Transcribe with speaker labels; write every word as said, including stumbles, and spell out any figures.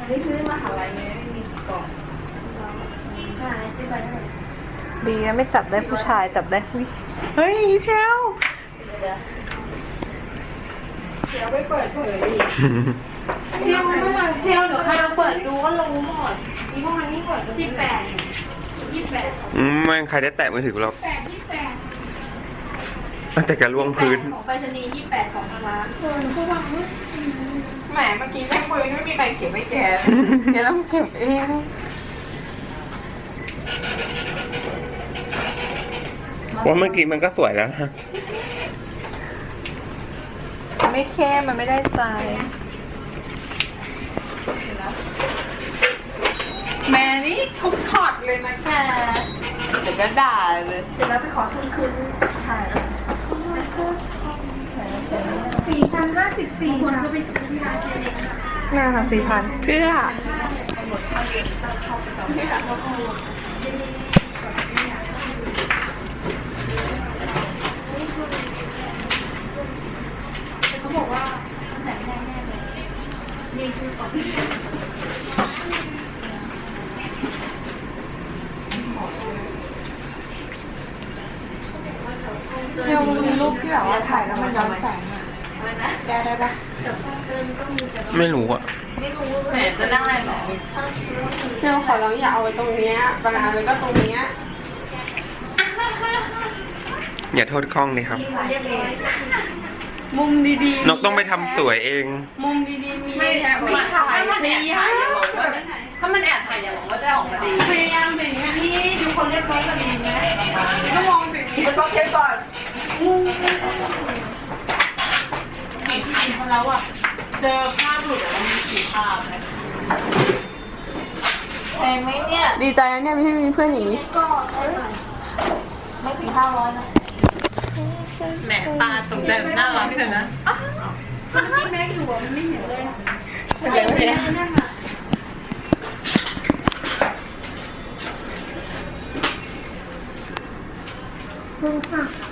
Speaker 1: นี่คือมหาลัยไงไม่มีกล่องมหาลัยที่ไปได้
Speaker 2: ดีนะไม่จับได้ผู้ชายจับได้ผู้เฮ้ยเชล
Speaker 1: เชียวไม่เปิดเผยดิ
Speaker 2: เชลเมื่อไหร่เชลเดี๋ยวใครเราเปิดดูก็รู้หมดนี่พวกมันนี่เปิดยี่แปดยี่แปด
Speaker 3: อืมไม่ใครได้แตะมือถือหรอก
Speaker 2: แปดยี่แปด
Speaker 3: อาจจะกระล่วงพื้น
Speaker 2: ของไปรษณีย์ยี่แปดของทางร้านเออก็วางไว้
Speaker 1: แหมเมื่อกี้แม่ปืนไม่มีใครเก็บไว้แกแกต้องเก็บเอง
Speaker 3: ว่าเมื่อกี้มันก็สวยแล้วนะ
Speaker 2: ไม่แค่มันไม่ได้ใจแม่นี่ทุกช็อตเลยนะแกเดี๋ยวก็ด่าเลย
Speaker 1: เสร็จแล้วไปขอทุนคืนถ่าย
Speaker 2: สี่พันห้าสิบสี่คนก็ไปซื้อที่ร้านเจเล็กน่าค่ะสี่พันเพื่อ
Speaker 1: เขาบอกว่าแต่แน่ๆเลยนี่คือของ
Speaker 2: เชลมีรูปที่แบบว่าถ่ายแล้วมันย้อนแสงอ่ะแกได้ปะ
Speaker 3: ไม่รู้อ่ะ
Speaker 1: แหมจะได้หรอ
Speaker 2: เชลขอเราอย่าเอาไว้ตรงเนี้ยบางอันเลยก็ตรงเนี้ย
Speaker 3: อย่าโทษกล้องเลยครับ
Speaker 2: มุมดีๆ
Speaker 3: นกต้องไปทำสวยเอง
Speaker 2: มุมดีๆมี
Speaker 1: ไม่ไม่ถ่ายถ้ามันแอบถ่ายอย่าบอกว่าถ้ามันแอบถ่ายอย่าบอกว่าจะออกมาดี
Speaker 2: พยายามสิ่งนี้
Speaker 1: นี่ดูคนเรียบร้อยก็ดีไหม
Speaker 2: ก็มองสิ่งนี้
Speaker 1: มันต้องเช็คก่อน
Speaker 2: เห็นทีมแล้วอ่ะเจอภาพหลุดแล้วมีสีภาพเลย
Speaker 1: แพงไหมเนี่ย
Speaker 2: ดีใจนะเนี่ยไม่มีเพื่อนอย่างนี้
Speaker 1: ก็ไม่ถึงห้าร้อยนะ
Speaker 2: แหมตาตกใจน่ารักใช่ไหม
Speaker 1: มันที่แม็กอยู่อ่ะมันไม่เห็นเลย
Speaker 2: เห็นไหม